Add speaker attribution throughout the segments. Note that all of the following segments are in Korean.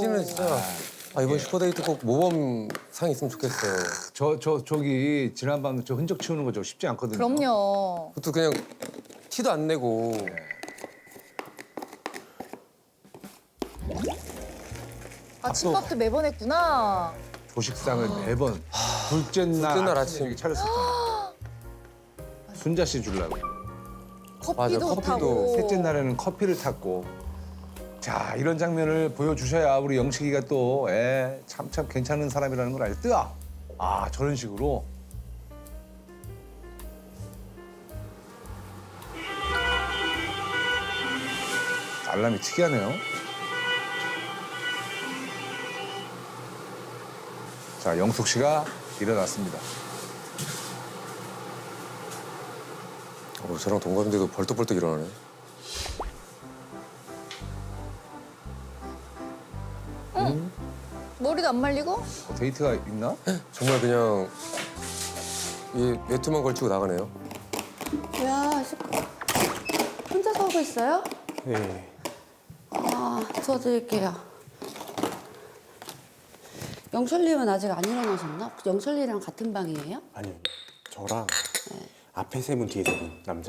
Speaker 1: 씨는 진짜 이번 슈퍼데이트 꼭 모범상 있으면 좋겠어요.
Speaker 2: 저기 지난밤 저 흔적 치우는 거 저 쉽지 않거든요.
Speaker 3: 그럼요.
Speaker 1: 그것도 그냥 티도 안 내고.
Speaker 3: 아침밥도 매번 했구나.
Speaker 2: 조식상을 매번 둘째 날
Speaker 1: 둘째 날
Speaker 2: 아침에
Speaker 1: 아침.
Speaker 2: 차렸을 때 순자 씨 주려고.
Speaker 3: 커피도
Speaker 1: 커피도.
Speaker 3: 타고.
Speaker 2: 셋째 날에는 커피를 탔고. 자, 이런 장면을 보여주셔야 우리 영식이가 또 참 괜찮은 사람이라는 걸 알죠. 저런 식으로. 알람이 특이하네요. 자, 영숙 씨가 일어났습니다.
Speaker 1: 저랑 동갑인데도 벌떡벌떡 일어나네.
Speaker 3: 머리도 안 말리고?
Speaker 2: 데이트가 있나?
Speaker 1: 정말 그냥 이 외투만 걸치고 나가네요.
Speaker 4: 야, 혼자서 하고 있어요?
Speaker 1: 네.
Speaker 4: 저 드릴게요. 영철님은 아직 안 일어나셨나? 영철님이랑 같은 방이에요?
Speaker 5: 아니, 저랑 앞에 세 분, 뒤에 세 분, 남자.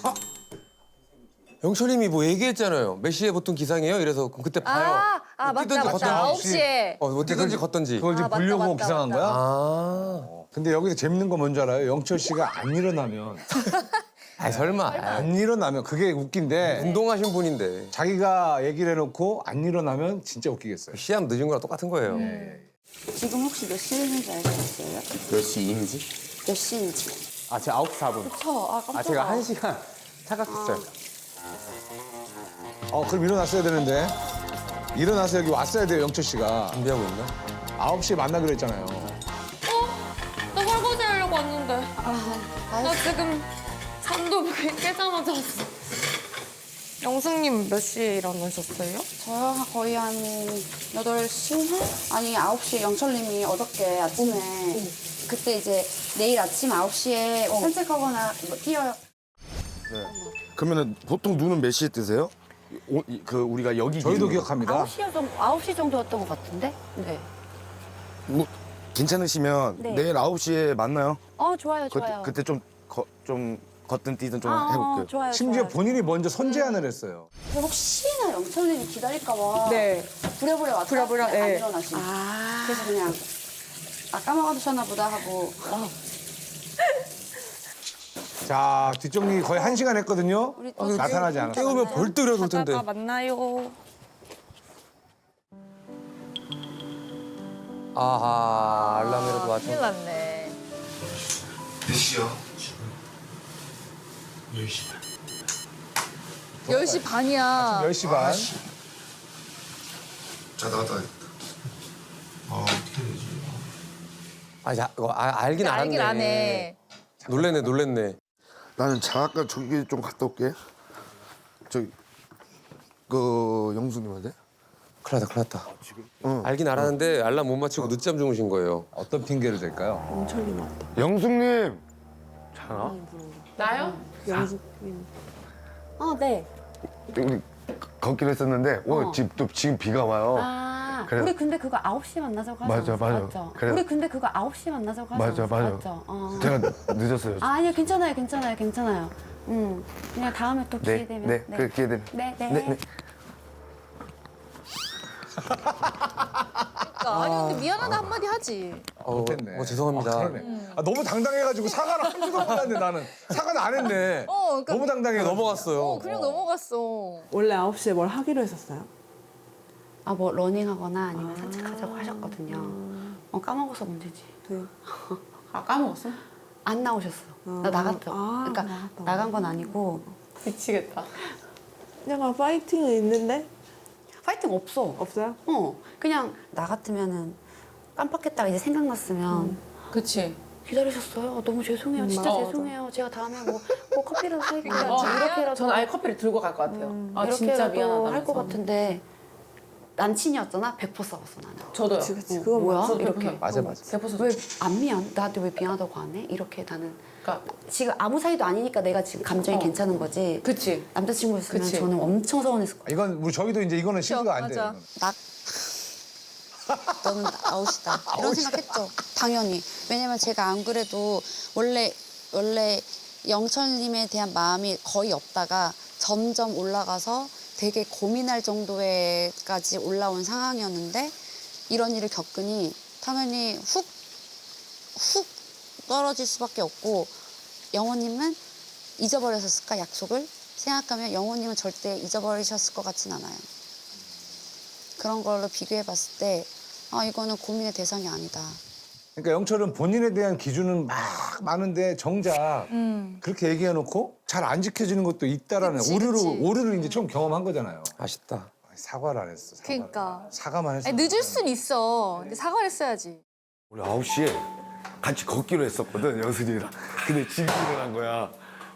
Speaker 1: 영철님이 뭐 얘기했잖아요. 몇 시에 보통 기상이에요? 이래서 그럼 그때 봐요.
Speaker 3: 맞다,
Speaker 1: 뛰든지
Speaker 3: 맞다.
Speaker 1: 걷든지.
Speaker 3: 9시에.
Speaker 1: 뭐 뛰든지 걷든지.
Speaker 2: 그걸 지금
Speaker 3: 맞다,
Speaker 2: 보려고
Speaker 3: 맞다,
Speaker 2: 기상한
Speaker 3: 맞다.
Speaker 2: 거야? 근데 여기서 재밌는 건 뭔지 알아요? 영철 씨가 안 일어나면
Speaker 1: 설마.
Speaker 2: 안 일어나면 그게 웃긴데
Speaker 1: 운동하신 분인데.
Speaker 2: 자기가 얘기를 해놓고 안 일어나면 진짜 웃기겠어요.
Speaker 1: 시합 늦은 거랑 똑같은 거예요.
Speaker 4: 지금 혹시 몇 시인지 알고 있어요?
Speaker 5: 몇 시인지?
Speaker 4: 몇 시인지.
Speaker 5: 제가 9시 4분.
Speaker 4: 깜짝아.
Speaker 5: 제가 1시간 착각했어요.
Speaker 2: 그럼 일어났어야 되는데. 일어나서 여기 왔어야 돼요, 영철 씨가.
Speaker 1: 준비하고 있나?
Speaker 2: 9시에 만나기로 했잖아요.
Speaker 6: 나 설거지 하려고 왔는데. 나 지금 잠도 깨자마자 왔어. 영숙님 몇 시에 일어나셨어요?
Speaker 4: 저요? 거의 한 8시? 아니, 9시에 영철님이 어저께 아침에 그때 이제 내일 아침 9시에 산책하거나 뭐 뛰어요.
Speaker 7: 그러면은 보통 눈은 몇 시에 뜨세요? 우리가 여기
Speaker 2: 저희도
Speaker 7: 기준으로.
Speaker 2: 기억합니다.
Speaker 4: 9시 정도였던 것 같은데? 네.
Speaker 7: 뭐 괜찮으시면
Speaker 4: 네.
Speaker 7: 내일 9시에 만나요.
Speaker 4: 좋아요, 좋아요.
Speaker 7: 그때 좀 걷든 뛰든 좀 해볼게요.
Speaker 4: 좋아요,
Speaker 2: 심지어
Speaker 4: 좋아요.
Speaker 2: 본인이 먼저 선제안을 했어요.
Speaker 4: 혹시나 영철님이 기다릴까 봐
Speaker 6: 네.
Speaker 4: 부랴부랴 왔다
Speaker 6: 부랴부랴,
Speaker 4: 안
Speaker 6: 네.
Speaker 4: 일어나시고 그래서 그냥 까먹으셨나 보다 하고
Speaker 2: 자, 뒷정리 거의 1시간 했거든요.
Speaker 4: 우리 또
Speaker 2: 나타나지 않았어요.
Speaker 1: 깨우면 벌떡 일어설 텐데.
Speaker 6: 가다가 만나요.
Speaker 1: 알람이라도 맞춰.
Speaker 3: 큰일 났네.
Speaker 8: 몇 시야? 10시.
Speaker 3: 10시 반이야.
Speaker 2: 10시 반.
Speaker 8: 자, 나갔다 와야겠다. 어떻게 되지?
Speaker 1: 알긴 알았네.
Speaker 3: 알긴 안 해.
Speaker 1: 놀랬네.
Speaker 7: 나는 잠깐 저기 좀 갔다 올게. 영수님한테.
Speaker 1: 큰일 났다. 알긴 알았는데 알람 못 맞추고 늦잠 주무신 거예요.
Speaker 2: 어떤 핑계를 댈까요?
Speaker 7: 영숙님.
Speaker 6: 나요?
Speaker 4: 네.
Speaker 7: 우리 걷기로 했었는데 오늘 지금 비가 와요. 그래.
Speaker 4: 우리 근데 그거 9시에 만나자고 하지
Speaker 7: 맞아.
Speaker 4: 않았어?
Speaker 7: 그래.
Speaker 4: 우리 근데 그거 9시에 만나자고 하지
Speaker 7: 맞아.
Speaker 4: 않았어?
Speaker 7: 제가 늦었어요.
Speaker 4: 아니요, 괜찮아요. 그냥 다음에 또 기회 되면.
Speaker 7: 네. 그 기회 되면.
Speaker 4: 네.
Speaker 3: 아니 근데 미안하다 한마디 하지.
Speaker 2: 못했네.
Speaker 1: 죄송합니다.
Speaker 2: 그러네. 너무 당당해가지고 사과를 한 줄도 몰랐네, 나는. 사과는 안 했네.
Speaker 3: 그러니까
Speaker 2: 너무 당당해.
Speaker 1: 넘어갔어요.
Speaker 3: 그냥 넘어갔어.
Speaker 9: 원래 9시에 뭘 하기로 했었어요?
Speaker 4: 뭐 러닝하거나 아니면 산책하자고 하셨거든요. 까먹어서 문제지.
Speaker 6: 까먹었어?
Speaker 4: 안 나오셨어. 나 나갔죠. 그러니까
Speaker 9: 나갔다.
Speaker 4: 나간 건 아니고
Speaker 6: 미치겠다.
Speaker 9: 약간 파이팅은 있는데
Speaker 4: 파이팅 없어.
Speaker 9: 없어요?
Speaker 4: 그냥 나 같으면은 깜빡했다가 이제 생각났으면
Speaker 6: 그치.
Speaker 4: 기다리셨어요. 너무 죄송해요. 진짜
Speaker 6: 맞아.
Speaker 4: 죄송해요. 제가 다음에 뭐 커피라도 사올게요.
Speaker 6: 이렇게라도.
Speaker 4: 이렇게라도
Speaker 6: 전 아예 커피를 들고 갈 것 같아요. 진짜 미안하다.
Speaker 4: 할 것 같은데 난친이었잖아. 100% 싸웠어 나는.
Speaker 6: 저도요.
Speaker 9: 그치. 그건
Speaker 4: 뭐야?
Speaker 9: 맞아.
Speaker 4: 이렇게.
Speaker 2: 맞아.
Speaker 6: 대포소.
Speaker 4: 왜 안 미안? 나한테 왜 미안하다고 안 해? 이렇게 나는
Speaker 6: 그러니까
Speaker 4: 지금 아무 사이도 아니니까 내가 지금 감정이 괜찮은 거지.
Speaker 6: 그치.
Speaker 4: 남자친구였으면
Speaker 6: 그치.
Speaker 4: 저는 엄청 서운했을 거야.
Speaker 2: 저희도 이제 이거는 시도가 안 돼요.
Speaker 3: 맞아.
Speaker 2: 이건.
Speaker 4: 너는 아웃이다. 이런 생각했죠. 당연히. 왜냐면 제가 안 그래도 원래 영철님에 대한 마음이 거의 없다가 점점 올라가서 되게 고민할 정도에까지 올라온 상황이었는데 이런 일을 겪으니 당연히 훅 떨어질 수밖에 없고 영호님은 잊어버렸을까 약속을 생각하면 영호님은 절대 잊어버리셨을 것 같진 않아요. 그런 걸로 비교해봤을 때 이거는 고민의 대상이 아니다.
Speaker 2: 그러니까 영철은 본인에 대한 기준은 막 많은데 정작 그렇게 얘기해놓고 잘 안 지켜지는 것도 있다라는
Speaker 3: 그치,
Speaker 2: 오류를 이제 처음 경험한 거잖아요.
Speaker 1: 아쉽다.
Speaker 2: 사과를 안 했어. 사과를.
Speaker 3: 그러니까.
Speaker 2: 사과만 했어.
Speaker 3: 아니, 늦을 순 있어. 근데 사과를 했어야지.
Speaker 7: 우리 9시에 같이 걷기로 했었거든, 여순이랑. 근데 지금 일어난 거야.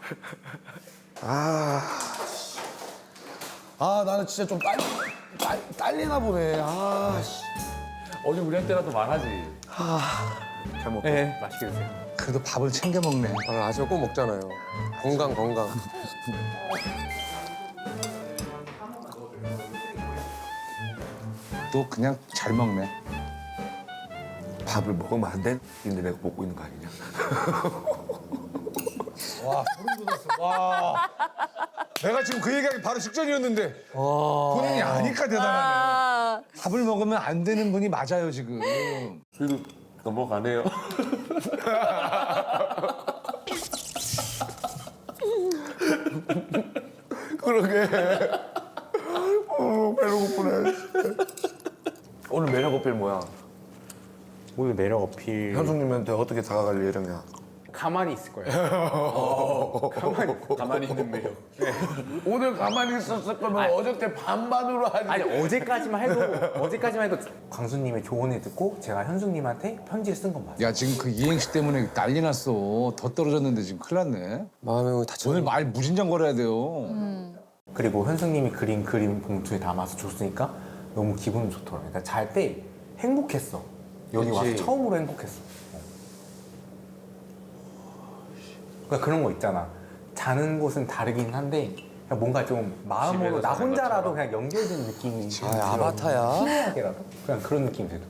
Speaker 7: 나는 진짜 좀 딸리나 보네.
Speaker 5: 어제 우리한테라도 말하지.
Speaker 7: 잘 먹고.
Speaker 5: 네, 맛있게 드세요.
Speaker 2: 그래도 밥을 챙겨 먹네.
Speaker 1: 아침에 꼭 먹잖아요. 건강.
Speaker 2: 또 그냥 잘 먹네.
Speaker 7: 밥을 먹으면 안 돼? 근데 내가 먹고 있는 거 아니냐?
Speaker 2: 와 소름 돋았어. 와. 내가 지금 그 얘기하기 바로 직전이었는데 본인이 아니까 대단하네. 밥을 먹으면 안 되는 분이 맞아요 지금.
Speaker 5: 그래도 넘어가네요.
Speaker 7: 그러게. 배로 고프네. 오늘 매력 어필 뭐야?
Speaker 5: 오늘 매력 어필.
Speaker 7: 현숙님한테 어떻게 다가갈 예정이야?
Speaker 5: 가만히 있을 거예요. 가만히 있는 매력.
Speaker 7: 오늘 가만히 있었을 거면 어저께 반반으로 하지.
Speaker 5: 아니 어제까지만 해도 광수님의 조언을 듣고 제가 현숙님한테 편지를 쓴 건 맞아요.
Speaker 2: 야 지금 그 이행시 때문에 난리 났어. 더 떨어졌는데 지금 큰일 났네.
Speaker 1: 마음이 다쳤네.
Speaker 2: 오늘 말 무진장거려야 돼요.
Speaker 5: 그리고 현숙님이 그린 그림 봉투에 담아서 줬으니까 너무 기분 좋더라고요. 그러니까 잘 때 행복했어. 여기 와서
Speaker 1: 그치.
Speaker 5: 처음으로 행복했어. 그러니까 그런 거 있잖아. 자는 곳은 다르긴 한데 그냥 뭔가 좀 마음으로 나 혼자라도 그냥 연결된 느낌이
Speaker 1: 아바타야.
Speaker 5: 희미하게라도 그냥 그런 느낌이 들어.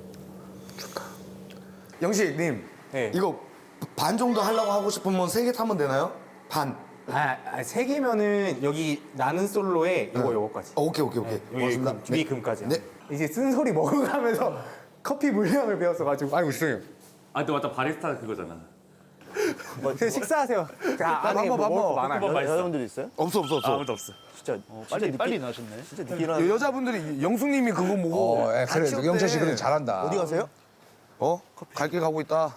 Speaker 7: 영식님,
Speaker 5: 네.
Speaker 7: 이거 반 정도 하려고 하고 싶으면 3개 타면 되나요? 반.
Speaker 5: 세 개면은 여기 나는 솔로에 요거까지.
Speaker 7: 오케이.
Speaker 5: 여기
Speaker 7: 고맙습니다.
Speaker 5: 위 금까지.
Speaker 7: 네.
Speaker 5: 이제 쓴소리 먹어가면서 커피 물량을 배웠어가지고 아이고 죄송해요.
Speaker 10: 아, 또 맞다. 바리스타 그거잖아.
Speaker 5: 식사하세요. 안에 뭐 먹을 거 많아요.
Speaker 10: 여자분들이 있어요?
Speaker 7: 없어.
Speaker 10: 아무도 없어. 진짜 빨리 나셨네. 진짜 늦게 일어나.
Speaker 7: 여자분들이 영숙님이 그거 보고
Speaker 2: 그래
Speaker 7: 같이 없대.
Speaker 2: 영철 씨 그래 잘한다.
Speaker 10: 어디 가세요?
Speaker 7: 갈 길 가고 있다.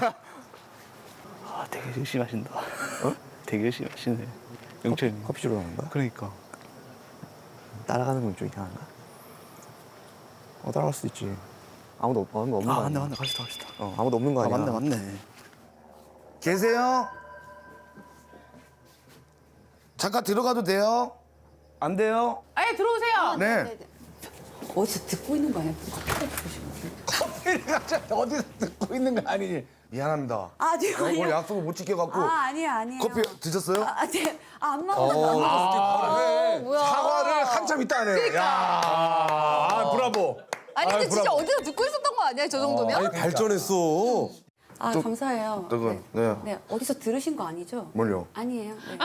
Speaker 10: 아, 되게 열심히 하신다. 되게 열심히 하시네. 영철님.
Speaker 8: 커피 주러 가는 거야?
Speaker 10: 그러니까.
Speaker 8: 따라가는 건 좀 이상한가? 따라갈 수도 있지. 아무도 없는 거
Speaker 10: 아,
Speaker 8: 아니야?
Speaker 10: 맞네. 갑시다.
Speaker 8: 아무도 없는 거 아니야?
Speaker 10: 맞네.
Speaker 7: 계세요? 잠깐 들어가도 돼요? 안 돼요?
Speaker 6: 아예 들어오세요.
Speaker 7: 네.
Speaker 4: 어디서 듣고 있는 거 아니야?
Speaker 2: 어디서 듣고 있는 거 아니니?
Speaker 7: 미안합니다.
Speaker 4: 아니요.
Speaker 7: 오늘 약속을 못 지켜갖고
Speaker 4: 아니에요.
Speaker 7: 커피 드셨어요?
Speaker 4: 안 먹었어요.
Speaker 3: 뭐야.
Speaker 2: 사과를 한참 있다 하네. 야, 브라보.
Speaker 3: 아니 근데 진짜 어디서 듣고 있었던 거 아니야? 저 정도면?
Speaker 1: 아니 발전했어.
Speaker 4: 감사해요.
Speaker 7: 저건 네.
Speaker 4: 네, 어디서 들으신 거 아니죠?
Speaker 7: 뭘요?
Speaker 4: 아니에요. 네.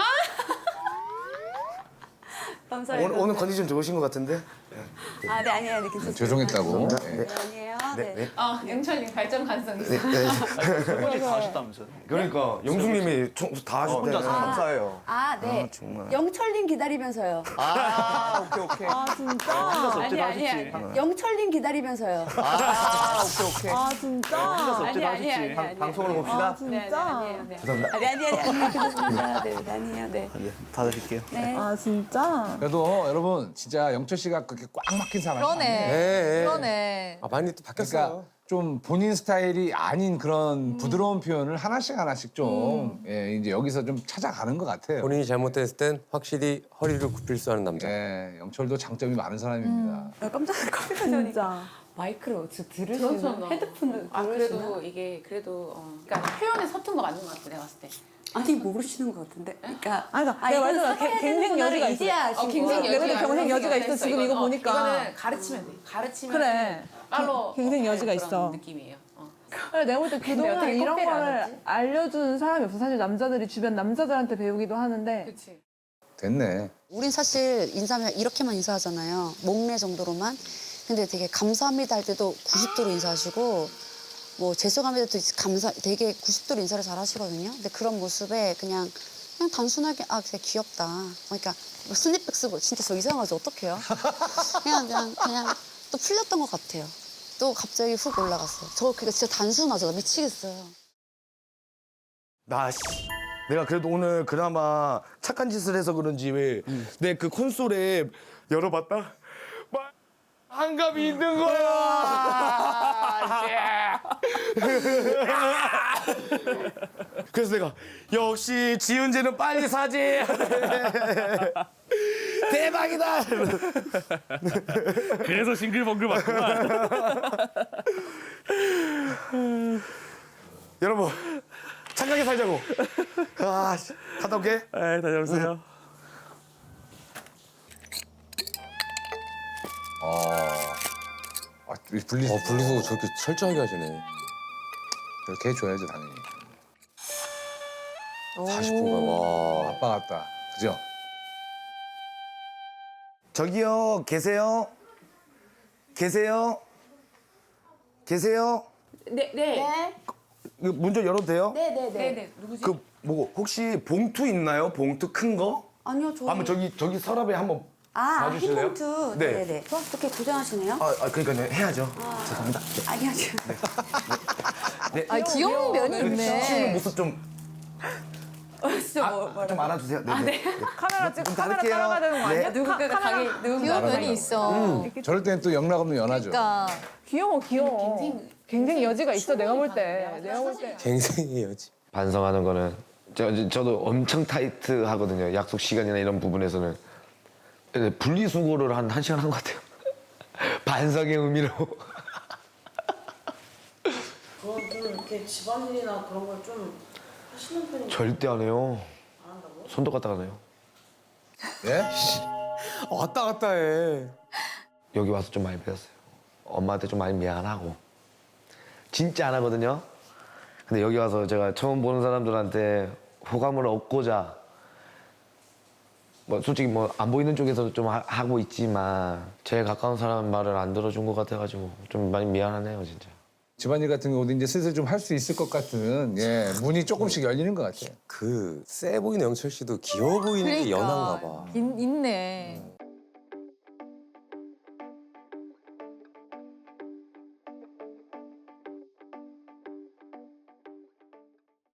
Speaker 4: 감사해요.
Speaker 7: 오늘 컨디션 좋으신 것 같은데?
Speaker 4: 네, 아니에요. 네, 괜찮습니다.
Speaker 2: 죄송했다고.
Speaker 4: 네, 아니에요. 네.
Speaker 6: 영철님 발전 가능성이 있어.
Speaker 10: 어제 다 하셨다면서요?
Speaker 7: 그러니까 영숙님이 다 하셨대.
Speaker 10: 혼자서 감사해요.
Speaker 4: 네.
Speaker 10: 정말.
Speaker 4: 영철님 기다리면서요.
Speaker 10: 오케이.
Speaker 9: 진짜?
Speaker 10: 혼자서 엎드려
Speaker 6: 아니,
Speaker 10: 하셨지.
Speaker 4: 영철님 기다리면서요.
Speaker 10: 오케이.
Speaker 9: 진짜?
Speaker 10: 혼자서 엎드려 하셨지.
Speaker 6: 아니.
Speaker 10: 방송으로 봅시다.
Speaker 9: 진짜?
Speaker 6: 아니에요. 네.
Speaker 4: 괜찮습니다. 네, 아니에요. 네.
Speaker 10: 다 드릴게요.
Speaker 4: 네.
Speaker 9: 진짜?
Speaker 2: 그래도 여러분 진짜 영철 씨가 그렇게 꽉 막힌 사람이 아니에요.
Speaker 3: 그러네.
Speaker 1: 많이 또 바뀌었어.
Speaker 2: 그러니까 좀 본인 스타일이 아닌 그런 부드러운 표현을 하나씩 좀 이제 여기서 좀 찾아가는 것 같아요.
Speaker 1: 본인이 잘못했을 땐 확실히 허리를 굽힐 수 있는 남자.
Speaker 2: 영철도 장점이 많은 사람입니다.
Speaker 4: 깜짝 커피
Speaker 9: 진짜.
Speaker 6: 마이크를 어디서 들으시는 헤드폰을 그래도 이게 그러니까 표현에 서툰 거 맞는 것 같아 내가 봤을 때.
Speaker 4: 아니 모르시는 것 같은데. 그러니까
Speaker 9: 그러니까 내가 말했잖아. 갱생 여지가 있어.
Speaker 4: 이제야 아신
Speaker 6: 갱생
Speaker 4: 거야.
Speaker 9: 내가 경생 여지가 있어, 지금 이거 보니까.
Speaker 6: 이거는 가르치면 돼. 가르치면
Speaker 9: 그래.
Speaker 6: 빨로
Speaker 9: 갱생 여지가
Speaker 6: 그런
Speaker 9: 있어.
Speaker 6: 느낌이에요.
Speaker 9: 그래, 내가 볼 때
Speaker 6: 근데
Speaker 9: 그동안
Speaker 6: 어떻게
Speaker 9: 이런
Speaker 6: 컴페를 안
Speaker 9: 거를
Speaker 6: 하지?
Speaker 9: 알려주는 사람이 없어. 사실 남자들이 주변 남자들한테 배우기도 하는데.
Speaker 6: 그렇지.
Speaker 2: 됐네.
Speaker 4: 우린 사실 인사하면 이렇게만 인사하잖아요. 목례 정도로만. 근데 되게 감사합니다 할 때도 90도로 인사하시고 뭐 죄송합니다도 되게 90도로 인사를 잘 하시거든요. 근데 그런 모습에 그냥 단순하게 그냥 귀엽다. 그러니까 뭐 스냅백 쓰고 진짜 저 이상하죠. 어떡해요? 그냥 또 풀렸던 것 같아요. 또 갑자기 훅 올라갔어요. 저 그게 진짜 단순하죠. 나 미치겠어요.
Speaker 7: 내가 그래도 오늘 그나마 착한 짓을 해서 그런지 왜 내 그 콘솔에 열어봤다? 막 한갑이 있는 거야. 그래서 내가 역시 지은재는 빨리 사지. 대박이다.
Speaker 10: 그래서 싱글벙글 맞구만.
Speaker 7: 여러분 착하게 살자고. 갔다 올게.
Speaker 10: 네, 다녀오세요.
Speaker 2: 이 분리수거.
Speaker 1: 분리수거 저렇게 철저하게 하시네.
Speaker 2: 그렇게 해줘야지 당연히.
Speaker 1: 40분간 와.
Speaker 2: 아빠 같다. 그죠?
Speaker 7: 저기요 계세요? 계세요?
Speaker 6: 네.
Speaker 7: 이거 문 좀 열어도 돼요?
Speaker 6: 네네. 누구지?
Speaker 7: 그 뭐고 혹시 봉투 있나요? 봉투 큰 거?
Speaker 4: 아니요, 저희.
Speaker 7: 한번 저기 서랍에 한번 봐주실래요?
Speaker 4: 히폰트.
Speaker 7: 네.
Speaker 4: 네네네. 그렇게 고생하시네요?
Speaker 7: 그러니까 해야죠. 죄송합니다.
Speaker 4: 아니요.
Speaker 3: 귀여운 면이 있네.
Speaker 7: 치우는 모습 좀 좀 알아주세요. 네.
Speaker 9: 카메라 찍고 카메라
Speaker 7: 닫을게요.
Speaker 9: 따라가야 되는 거 아니야?
Speaker 7: 네.
Speaker 6: 누군가가 가게
Speaker 3: 귀여운 면이 있어.
Speaker 2: 저럴 때는 또 영락 없는 연하죠.
Speaker 3: 그러니까
Speaker 9: 귀여워. 갱생 여지가 있어, 내가 볼 때.
Speaker 1: 갱생의 여지.
Speaker 11: 반성하는 거는 저도 엄청 타이트하거든요. 약속 시간이나 이런 부분에서는 분리수거를 한 1시간 한 것 같아요. 반성의 의미로.
Speaker 12: 그럼 좀 이렇게 집안일이나 그런 걸 좀 하시는 편이
Speaker 11: 절대 안 해요.
Speaker 12: 안 한다고요?
Speaker 11: 손도 갖다 안 해요.
Speaker 2: 예?
Speaker 1: 왔다 갔다 해.
Speaker 11: 여기 와서 좀 많이 배웠어요. 엄마한테 좀 많이 미안하고. 진짜 안 하거든요. 근데 여기 와서 제가 처음 보는 사람들한테 호감을 얻고자 뭐 솔직히 뭐 안 보이는 쪽에서도 좀 하고 있지만 제일 가까운 사람 말을 안 들어준 것 같아가지고 좀 많이 미안하네요, 진짜.
Speaker 2: 집안일 같은 경우도 이제 슬슬 좀 할 수 있을 것 같은 문이 조금씩 열리는 것 같아요.
Speaker 1: 그 세 보이는 영철 씨도 귀여워 보이는 게 연한가 봐.
Speaker 3: 있네.